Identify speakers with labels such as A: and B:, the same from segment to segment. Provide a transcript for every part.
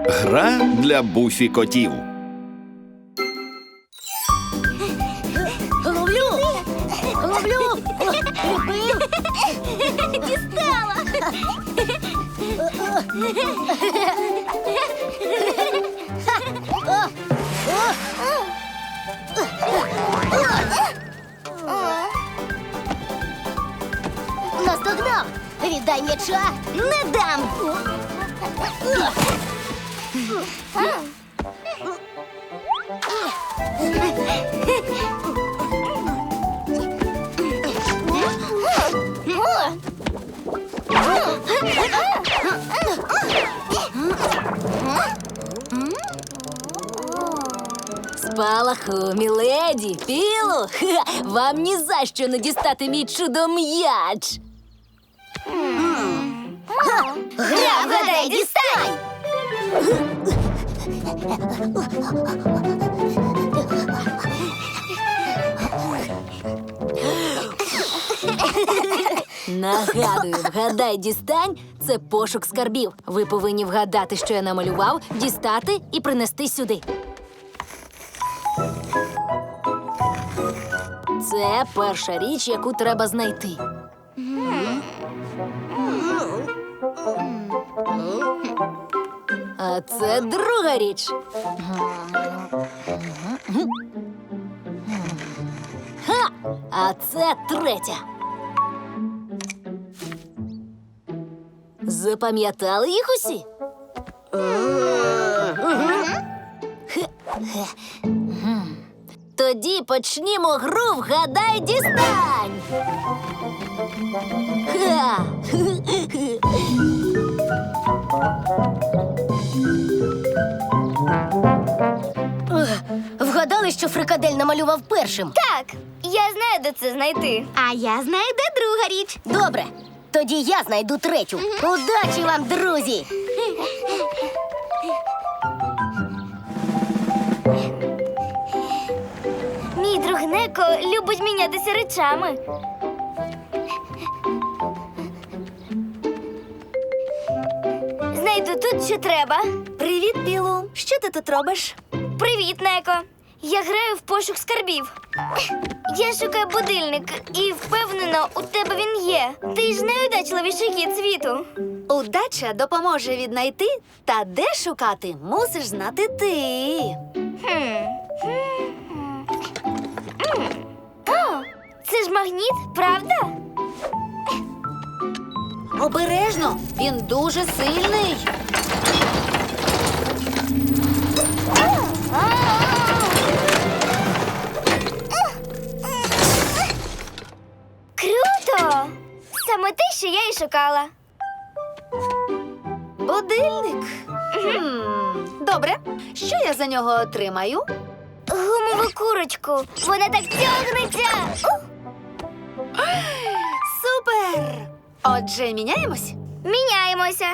A: Гра для буфі-котів.
B: Ловлю! Ловлю! Ловив!
C: Дістала!
B: Наздогнав! Віддай м'яча!
C: Не дам!
D: Спалаху, міледі, Пілу, вам ні за що не дістати мій чудо-м'яч.
C: Гра «Вгадай, дістань!»
D: Нагадую, вгадай, дістань – це пошук скарбів. Ви повинні вгадати, що я намалював, дістати і принести сюди. Це перша річ, яку треба знайти. А це друга річ. Ха! А це третя. Запам'ятали їх усі? Тоді почнімо гру «Вгадай, дістань». Ха!
B: Вгадали, що фрикадель намалював першим?
C: Так, я знаю, де це знайти. А я знаю, де друга річ.
B: Добре, тоді я знайду третю. Удачі вам, друзі!
C: Мій друг Неко любить мінятися речами. Знайду тут, що треба. Привіт, Білу. Що ти тут робиш? Привіт, Неко. Я граю в пошук скарбів. Я шукаю будильник і впевнена, у тебе він є. Ти ж найудачливіший кіт світу.
E: Удача допоможе віднайти, та де шукати, мусиш знати ти.
C: О, це ж магніт, правда?
E: Обережно, він дуже сильний.
C: Круто! Саме те, що я і шукала.
E: Будильник. Добре, що я за нього отримаю?
C: Гумову курочку. Вона так тягнеться.
E: Супер! Отже, міняємось?
C: Міняємося.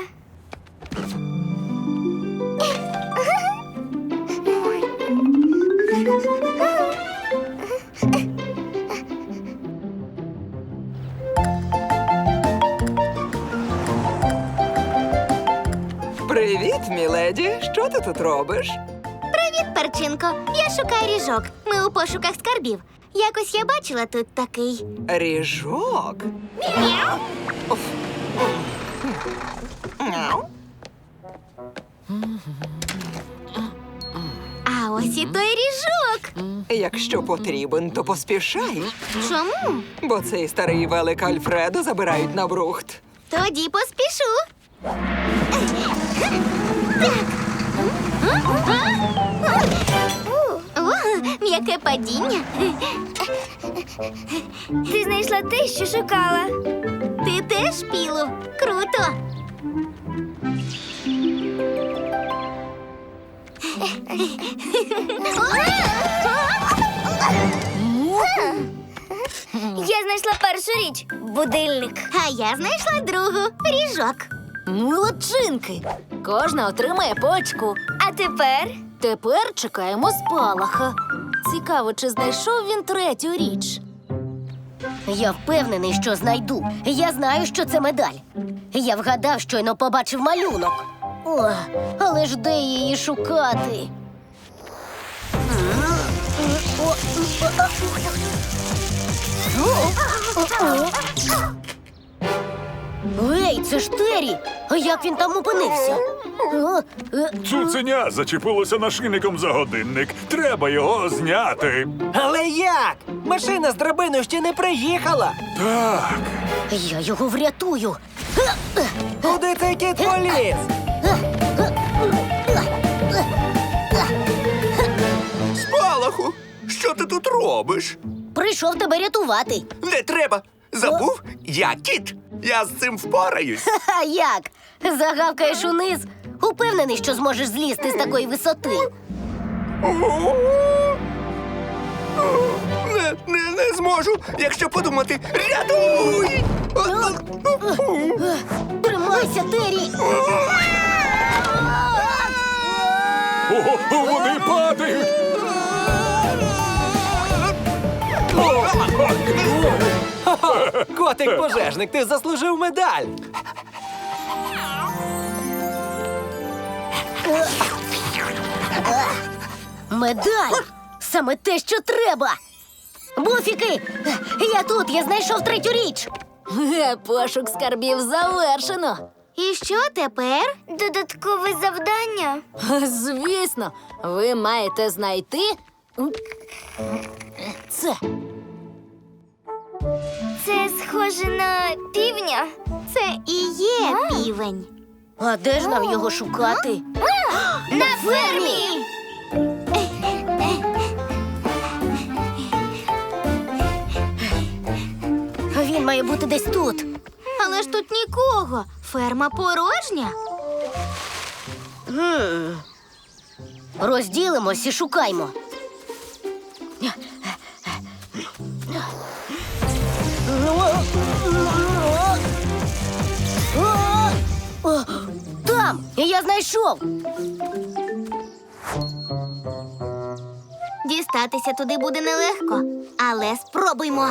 F: Привіт, міледі. Що ти тут робиш?
C: Привіт, Перчинко. Я шукаю ріжок. Ми у пошуках скарбів. Якось я бачила тут такий.
F: Ріжок? Оф. Мяу.
C: А ось і той ріжок.
F: Якщо потрібен, то поспішай,
C: Чому?
F: бо цей старий велик Альфредо забирають на брухт.
C: Тоді поспішу. О, м'яке падіння. Ти знайшла те, що шукала. Ти теж, Пілу. Круто. Я знайшла першу річ – будильник. А я знайшла другу – ріжок.
D: Молодчинки! Кожна отримає по очку.
C: А тепер?
D: Тепер чекаємо спалаха. Цікаво, чи знайшов він третю річ.
B: Я впевнений, що знайду. Я знаю, що це медаль. Я вгадав, щойно побачив малюнок. О, але ж де її шукати? Ей, це ж Террі! А як він там опинився?
G: Цуценя зачепилося нашийником за годинник. Треба його зняти.
H: Але як? Машина з драбиною ще не приїхала.
G: Так.
B: Я його врятую.
H: Куди цей кіт поліз?
A: Спалаху! Що ти тут робиш?
B: Прийшов тебе рятувати.
A: Не треба! Забув? Я кіт! Я з цим впораюсь!
B: А як? Загавкаєш униз? Упевнений, що зможеш злізти з такої висоти.
A: Не зможу! Якщо подумати, рятуй!
B: Тримайся, Террі!
G: О, вони падають!
H: Котик-пожежник, ти заслужив медаль.
B: Медаль! Саме те, що треба! Буфіки! Я тут, я знайшов третю річ!
D: Пошук скарбів завершено.
C: І що тепер? Додаткове завдання.
D: Звісно, ви маєте знайти це.
C: Це схоже на півня. Це і є півень.
B: А де ж нам його шукати?
C: На фермі!
B: Він має бути десь тут.
C: Але ж тут нікого. Ферма порожня.
B: Розділимось і шукаймо. Там! Я знайшов!
C: Дістатися туди буде нелегко, але спробуймо.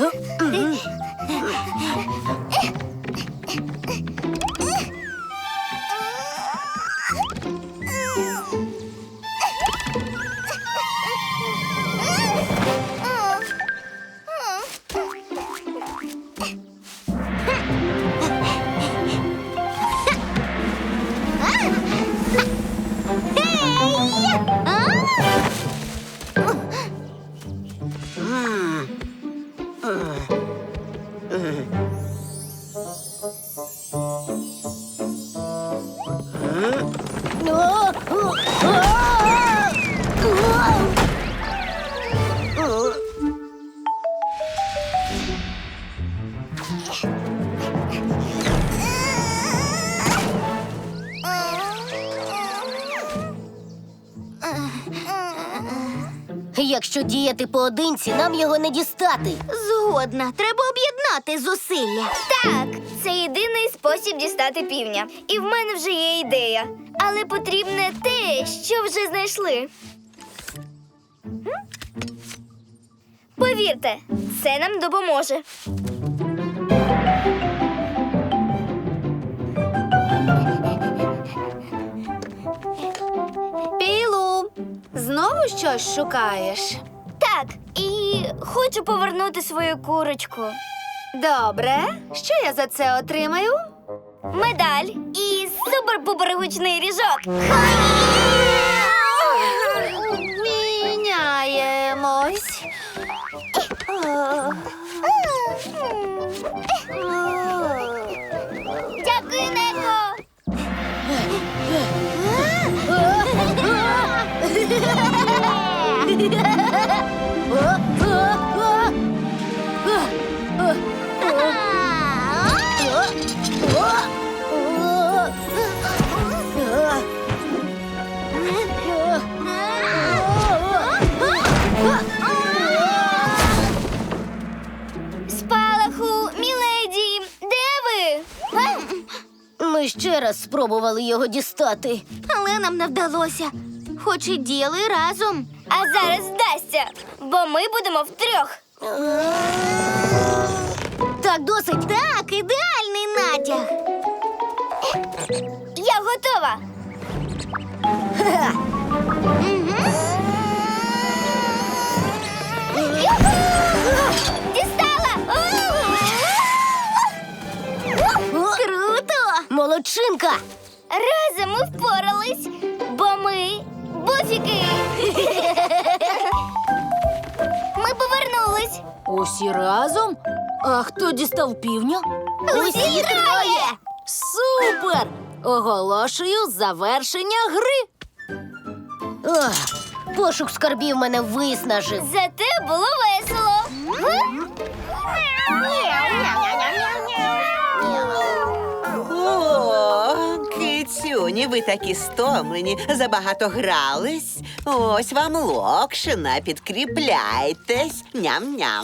B: Якщо діяти поодинці, нам його не дістати.
C: Згодна, треба об'єднати зусилля. Так, це єдиний спосіб дістати півня. І в мене вже є ідея. Але потрібне те, що вже знайшли. Повірте, це нам допоможе.
E: Пілу, знову щось шукаєш?
C: Так, і хочу повернути свою курочку.
E: Добре. Що я за це отримаю?
C: Медаль і супер-пупер гучний ріжок.
E: Міняємось.
C: Дякую, Неко. Спалаху, міледі, де ви?
B: Ми ще раз спробували його дістати.
C: Але нам не вдалося. Хоч і діяли разом. А зараз вдасться, бо ми будемо втрьох.
B: Так, досить.
C: Так, ідеальний натяг. Я готова. Дістала!
B: Круто! Молодчинка!
C: Разом ми впорались, бо ми буфіки. Ми повернулись.
D: Усі разом? А хто дістав півня?
C: Усі троє!
D: Супер! Оголошую завершення гри.
B: Ох, пошук скарбів мене виснажив.
C: Зате було весело.
I: О, кицюні, ви такі стомлені, забагато грались. Ось вам локшина, підкріпляйтесь. Ням-ням.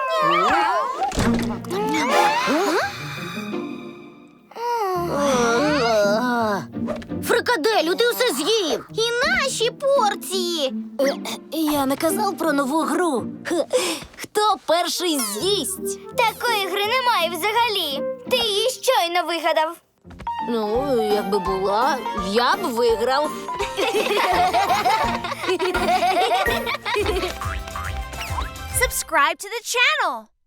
B: Фрикаделю, ти все з'їв!
C: І наші порції.
D: Я не казав про нову гру. Хто перший з'їсть?
C: Такої гри немає взагалі. Ти її щойно вигадав.
D: Ну, якби була, я б виграв.
C: Subscribe to the channel.